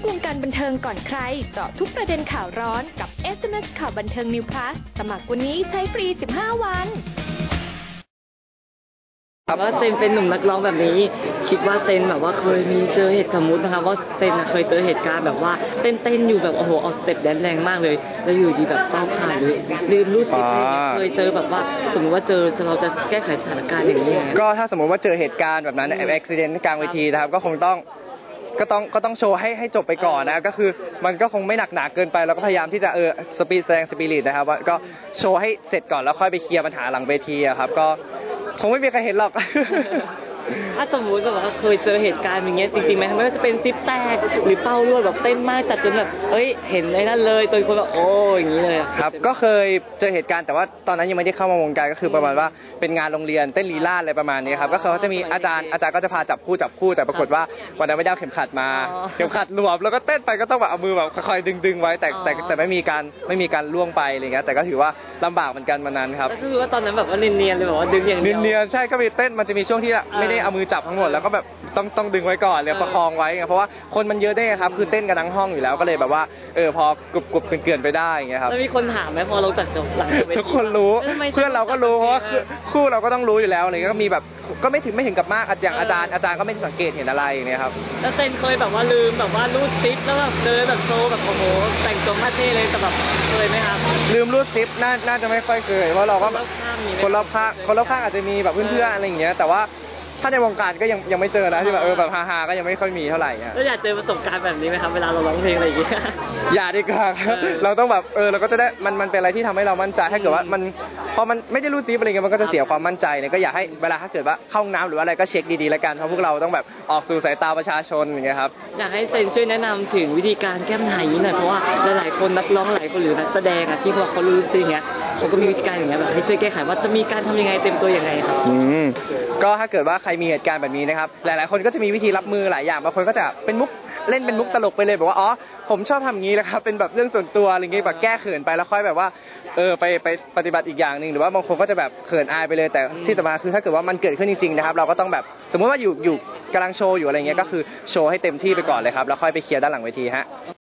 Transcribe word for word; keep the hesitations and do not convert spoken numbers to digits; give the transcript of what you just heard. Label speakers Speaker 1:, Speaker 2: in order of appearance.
Speaker 1: วงการบันเทิงก่อนใครเจาะทุกประเด็นข่าวร้อนกับ เอส เอ็ม เอส ข่าวบันเทิง New Plus สมัครวันนี้ใช้ฟรี สิบห้า วัน
Speaker 2: ว่าเซนเป็นหนุ่มนักร้องแบบนี้คิดว่าเซนแบบว่าเคยมีเจอเหตุสมมุตินะคะว่าเซนเคยเจอเหตุการณ์แบบว่าเต้นเต้นอยู่แบบโอ้โหเอาสเต็ปแดนแรงมากเลยแล้วอยู่ดีแบบก้าวขาดหรือลืมรู้สึกเคยเจอแบบว่าสมมติว่าเจอเราจะแก้ไขสถานการณ์อย่างนี้
Speaker 3: ก็ถ้าสมมติว่าเจอเหตุการณ์แบบนั้นอุบัติเหตุกลางเวทีนะครับก็คงต้องก็ต้องก็ต้องโชว์ให้ให้จบไปก่อนนะก็คือมันก็คงไม่หนักหนาเกินไปเราก็พยายามที่จะเออสปีดแสดงสปิริตนะครับว่าก็โชว์ให้เสร็จก่อนแล้วค่อยไปเคลียร์ปัญหาหลังเวทีครับก็คงไม่มีใครเห็นหรอก
Speaker 2: ถ้าสมมุติแบบว่าเคยเจอเหตุการณ์อย่างเงี้ยจริงๆไหมไม่ว่าจะเป็นซิปแตกหรือเป้ารั่วแบบเต้นมากจัดจนแบบเอ้ยเห็นไอ้นั่นเลยตัวคนแบบโอ้อย่างนี้เลย
Speaker 3: ครับก็เคยเจอเหตุการณ์แต่ว่าตอนนั้นยังไม่ได้เข้ามาวงการก็คือประมาณว่าเป็นงานโรงเรียนเต้นลีลาศอะไรประมาณนี้ครับก็คือเขาจะมีอาจารย์อาจารย์ก็จะพาจับคู่จับคู่แต่ปรากฏว่าวันนั้นไม่ได้เอาเข็มขัดมาเข็มขัดหลวมแล้วก็เต้นไปก็ต้องแบบเอามือแบบคอยดึงๆไว้แต่แต่แต่ไม่มีการไม่มีการล่วงไปอะไรเงี้ยแต่ก็ถือว่าลำบากเหมือนกันวันนั้นครับ
Speaker 2: ก็คือว่าตอนนั้นแบบว่าเนียนๆเลยแบบว่าดึงอย่างเดียว
Speaker 3: เนียนๆใช่ก็มีเต้นมันจะมีช่วงที่ไม่ได้เอามือจับทั้งหมดแล้วก็แบบต้องต้องดึงไว้ก่อนเลยประคองไว้เพราะว่าคนมันเยอะได้ครับคือเต้นกันทั้งห้องอยู่แล้วก็เลยแบบว่าเออพอกรุบกรุบเกลื่อนไปได้อย่างเงี้ยครับ
Speaker 2: แล้วมีคนถามไหมพอเราจัดจบหลัง
Speaker 3: ทุกคนรู้เพื่อนเราก็รู้เพราะว่าคู่เราก็ต้องรู้อยู่แล้วอะไรก็มีแบบก็ไม่ถึงไม่ถึงกับมากอย่างอาจารย์อาจารย์ก็ไม่สังเกตเห็นอะไรอย่างเงี้ยครับ
Speaker 2: แล้วเต้นเคยแบบว่าลืมแบบว่ารูดซิปแล้วแบบเดินแบบโชว์แบบโอ้โหแต่งตัวมาเท่เลยแต่แบบเคยไหมครับ
Speaker 3: ลืมรูดซิปน่าน่าจะไม่ค่อยเคยเพราะเราก็คนรอบข้างคนรอบข้างอาจจะมีแบบเพื่อนๆอะไรอย่างเงี้ยแต่ว่าถ้าในวงการก็ยังยังไม่เจอนะที่แบบเออแบบฮาๆก็ยังไม่ค่อยมีเท่าไหร่อ่ะ
Speaker 2: แล้วอยากเจอประสบการณ์แบบนี้ไหมครับเวลาเราร้องเพลงอะไรอย่างเงี้ย
Speaker 3: อย่าดีกว่าครับเราต้องแบบเออเราก็จะได้มันมันเป็นอะไรที่ทำให้เรามั่นใจถ้าเกิดว่ามันพอมันไม่ได้รู้จีบอะไรเงี้ยมันก็จะเสียความมั่นใจเนี่ยก็อยากให้เวลาถ้าเกิดว่าเข้าห้องน้ำหรืออะไรก็เช็คดีๆแล้วกันเพราะพวกเราต้องแบบออกสู่สายตาประชาชนอย่างเงี้ยครับ
Speaker 2: อยากให้เซนช่วยแนะนำถึงวิธีการแก้ปัญหาอย่างนี้หน่อยเพราะว่าหลายๆคนนักร้องหลายคนหรือนักแสดงอ่ะที่เขาเขารู้สิอย่างเงี้ยเขาก็มีวิธีการอย่างเงี้ยแบบให้ช่วยแก้ไขว่าจะมีการทำยังไงเต็มตัวยังไงครับ
Speaker 3: อืมก็ถ้าเกิดว่าใครมีเหตุการณ์แบบนี้นะครับหลายๆคนก็จะมีวิธีรับมือหลายอย่างบางคนก็จะเป็นมุกเล่นเป็นมุกตลกไปเลยแบบว่าอ๋อผมชอบทำอย่างนี้นะครับเป็นแบบเรื่องส่วนตัวอะไรเงี้ยแบบแก้เขินไปแล้วค่อยแบบว่าเออไปไปปฏิบัติอีกอย่างนึงหรือว่าบางคนก็จะแบบเขินอายไปเลยแต่ที่สำคัญคือถ้าเกิดว่ามันเกิดขึ้นจริงๆนะครับเราก็ต้องแบบสมมติว่าอยู่อยู่กำลังโชว์อยู่อะไรเงี้ยก็คือโชว์ให้เต็มที่ไปก่อนเลยครับแล้วค่อยไปเคลียร์ด้านหลังเวทีฮะ